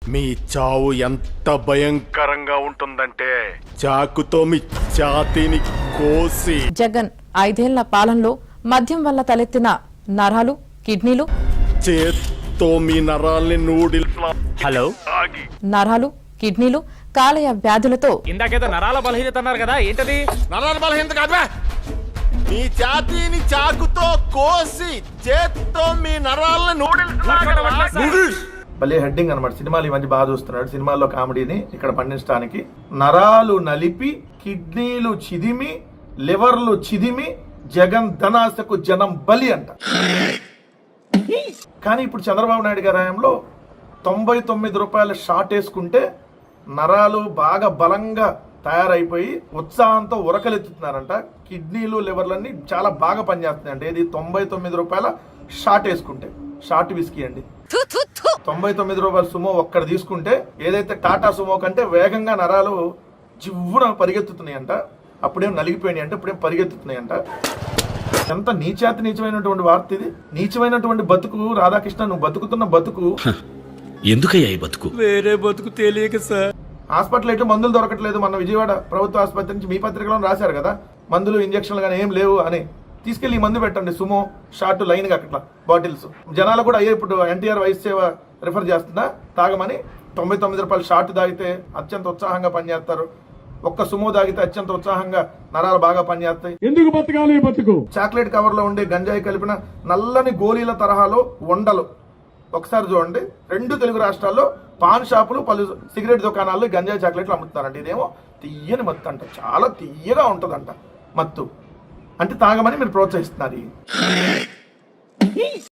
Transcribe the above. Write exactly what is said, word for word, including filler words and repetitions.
మీ చావు ఎంత భయంకరంగా ఉంటుందంటే చాకుతో మీ ఛాతీని కోసి. జగన్ ఐదేళ్ల పాలనలో మద్యం వల్ల తలెత్తిన నరాలు, కిడ్నీలు, చేత్తో మీ నరాల్ని నూడిల్స్ హలో నరాలు, కిడ్నీలు, కాలేయ వ్యాధులతో ఇందాకేదో నరాల బలహీనత అన్నారు కదా, ఏంటది? నరాల బలహీనత కాదువా, మీ ఛాతీని చాకుతో కోసి చేత్తో మీ నరాలను నూడిల్స్. భలే హెడ్డింగ్ అనమాట. సినిమాలు ఇవన్నీ బాగా చూస్తున్నాడు. సినిమాల్లో కామెడీని ఇక్కడ పండించడానికి నరాలు నలిపి, కిడ్నీలు చిదిమి, లివర్లు చిదిమి, జగన్ ధనాశకు జనం బలి అంట. కానీ ఇప్పుడు చంద్రబాబు నాయుడు గారి హయాంలో తొంభై తొమ్మిది రూపాయల షాట్ వేసుకుంటే నరాలు బాగా బలంగా తయారైపోయి ఉత్సాహంతో ఉరకలెత్తుతున్నారంట. కిడ్నీలు లివర్లన్నీ చాలా బాగా పనిచేస్తున్నాయంట. ఇది తొంభై తొమ్మిది రూపాయల షాట్ వేసుకుంటే. షార్ట్ విస్కీ అండి. తొంభై తొమ్మిది రూపాయల సుమో ఒక్కడ తీసుకుంటే ఏదైతే టాటా సుమో కంటే వేగంగా నరాలు జివ్వున పరిగెత్తుతున్నాయంట. అప్పుడేం నలిగిపోయినాయి అంటే ఇప్పుడేం పరిగెత్తుతున్నాయంట. ఎంత నీచాతి నీచమైనటువంటి వార్త ఇది. నీచమైనటువంటి బతుకు. రాధాకృష్ణ, నువ్వు బతుకుతున్న బతుకు ఎందుకయ్యా ఈ బతుకు? వేరే బతుకు తెలియక సార్. హాస్పిటల్ అయితే మందులు దొరకట్లేదు. మన విజయవాడ ప్రభుత్వ ఆసుపత్రి నుంచి మీ పత్రికలో రాశారు కదా, మందులు ఇంజక్షన్లు కానీ ఏం లేవు అని. తీసుకెళ్లి ఈ మందు పెట్టండి, సుమో షార్ట్ లైన్ గా అట్లా బాటిల్స్. జనాలు కూడా అయ్యే ఇప్పుడు ఎన్టీఆర్ వైస్ సేవ రిఫర్ చేస్తుందా తాగమని. తొంభై తొమ్మిది రూపాయలు షార్ట్ తాగితే అత్యంత ఉత్సాహంగా పనిచేస్తారు. ఒక్క సుమో తాగితే అత్యంత ఉత్సాహంగా నరాలు బాగా పనిచేస్తాయి. ఎందుకు బతకాలి బతుకు? చాక్లెట్ కవర్ లో ఉండే గంజాయి కలిపిన నల్లని గోళీల తరహాలో ఉండలు ఒకసారి చూడండి. రెండు తెలుగు రాష్ట్రాల్లో పాన్ షాపులు, పలు సిగరెట్ దుకాణాల్లో గంజాయి చాక్లెట్లు అమ్ముతున్నారంట. ఇదేమో తీయని మత్తు అంట, చాలా తీయగా ఉంటదంట మత్తు. అంటే తాగమని మీరు ప్రోత్సహిస్తున్నారు.